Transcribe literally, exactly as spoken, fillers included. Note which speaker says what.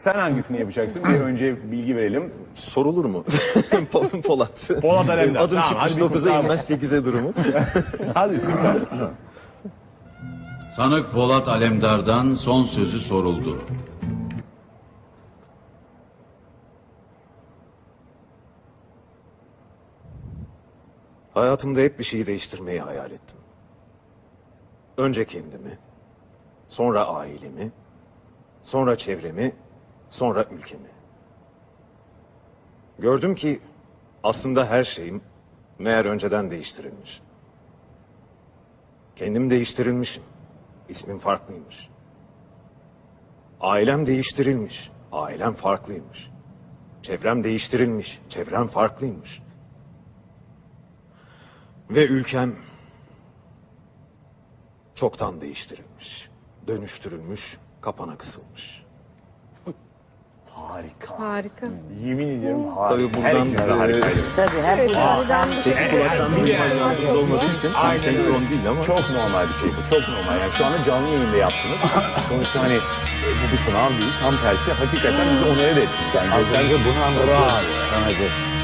Speaker 1: Sen hangisini yapacaksın? Bir önce bilgi verelim.
Speaker 2: Sorulur mu? Pol- Polat.
Speaker 1: Polat Alemdar.
Speaker 2: Adım
Speaker 1: Tamam,
Speaker 2: çıkmış
Speaker 1: hadi bir
Speaker 2: dokuza
Speaker 1: kurtar.
Speaker 2: inmez sekize durumu.
Speaker 1: Hadi süper.
Speaker 3: Sanık Polat Alemdar'dan son sözü soruldu.
Speaker 2: Hayatımda hep bir şeyi değiştirmeyi hayal ettim. Önce kendimi, sonra ailemi, sonra çevremi, sonra ülkemi. Gördüm ki aslında her şeyim meğer önceden değiştirilmiş. Kendim değiştirilmişim. İsmim farklıymış. Ailem değiştirilmiş. Ailem farklıymış. Çevrem değiştirilmiş. Çevrem farklıymış. Ve ülkem çoktan değiştirilmiş. Dönüştürülmüş, kapana kısılmış.
Speaker 1: Harika.
Speaker 4: Harika.
Speaker 1: Yemin ediyorum harika.
Speaker 2: Tabii buradan,
Speaker 1: Her ikiniz de
Speaker 2: e,
Speaker 1: harikaydı.
Speaker 5: Tabii hep
Speaker 2: Sesi kulaktan duyma ajansımız olmadığı için tam
Speaker 1: Aynen
Speaker 2: senkron
Speaker 1: öyle.
Speaker 2: değil ama.
Speaker 1: Çok normal bir şey bu. Çok normal. Yani şu anda canlı yayında yaptınız. Sonuçta hani e, bu bir sınav değil. Tam tersi hakikaten bizi onore de ettik. Yani
Speaker 6: Az önce bunu anlatıyordum
Speaker 1: Bravo.
Speaker 6: sana.